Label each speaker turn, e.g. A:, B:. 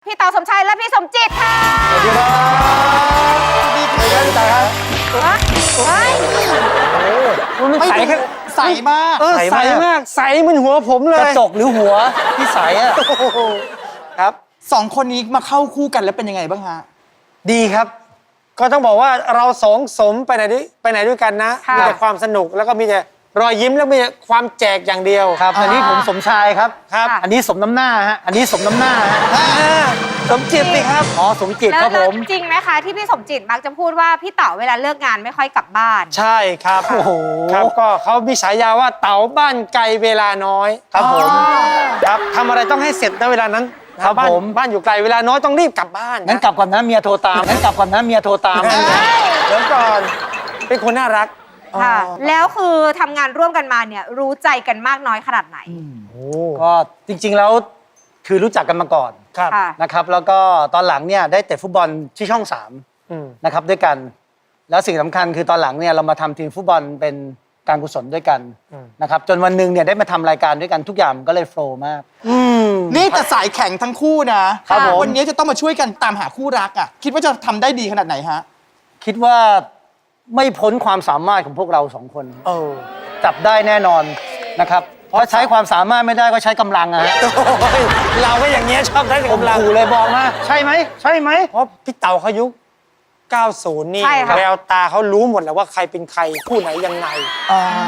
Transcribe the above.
A: พี่เต๋าสมชายและพี่สมจิตค่ะ
B: สวัสดีครับดีครับพี่ตาครับ
A: เฮ้ย
B: มันใสแค่ใสมาก
C: ใสมากใสเหมือนหัวผมเล
B: กระ
C: ย
B: จกหรือหัวที่ใสอ่ะ
C: ครับ
D: สองคนนี้มาเข้าคู่กันแล้วเป็นยังไงบ้างฮะ
C: ดีครับ ก็ต้องบอกว่าเราสองสมไปไหนด้วยกันนะ
A: ค่ะ
C: มีแต่ความสนุกแล้วก็มีแต่รอยยิ้มแล้วมีแต่ความแจกอย่างเดียว
B: ครับอันนี้ผมสมชายครับ
C: ครับ
B: อันนี้สมน้ำหน้าฮะอันนี้สมน้ำหน้าฮะ
C: สมจิตสิครับ
B: อ๋อสมจิต
A: แล้ว
B: ครับผม
A: จริงไหมคะที่พี่สมจิตมักจะพูดว่าพี่เต๋าเวลาเลิกงานไม่ค่อยกลับบ้าน
C: ใช่ครับ
B: โอ้โห
C: ครับก็เขามีฉายาว่าเต๋าบ้านไกลเวลาน้อย
B: ครับผม
C: ครับทำอะไรต้องให้เสร็จนะเวลานั้น
B: ครับ
C: บ้าน
B: ผม
C: บ้านอยู่ไกลเวลาน้อยต้องรีบกลับบ้าน
B: งั้นกลับก่อนนะเมียโทรตามงั้นกลับก่อนนะเมียโทรตาม
C: เดี๋ยวก่อนเป็นคนน่ารัก
A: ค่ะ แล้วคือทำงานร่วมกันมาเนี่ยรู้ใจกันมากน้อยขนาดไหน
C: โอ้
B: ก็จริงๆแล้วคือรู้จักกันมาก่อน
C: ครับ
A: ค่ะ
B: นะครับ แล้วก็ตอนหลังเนี่ยได้เตะฟุตบอลที่ช่อง
C: อืม
B: 3นะครับด้วยกัน แล้วสิ่งสำคัญคือตอนหลังเนี่ยเรามาทำทีมฟุตบอลเป็นการกุศลด้วยกันนะครับจนวันหนึ่งเนี่ยได้มาทำรายการด้วยกันทุกอย่างมันก็เลยโฟล์มาก
D: นี่แต่สายแข็งทั้งคู่นะครับ
B: ผม
D: วันนี้จะต้องมาช่วยกันตามหาคู่รักอ่ะ คิดว่าจะทำได้ดีขนาดไหนฮะ
B: คิดว่าไม่พ้นความสามารถของพวกเราสองคน
C: โอ้
B: จับได้แน่นอนนะครับเพราะใช้ความสามารถไม่ได้ก็ใช้กำลังอะฮะ
C: ยเราก็อย่างเงี้ยชอบได้
B: ผม
C: กำลัง
B: ขู่เลยบอกมาใช่ไหมใช่ไหม
C: เพราะพี่เต๋าเขายุค 90 นี่
A: ใช่ค่ะ
C: แววตาเขารู้หมดแล้วว่าใครเป็นใครคู่ไหนยังไง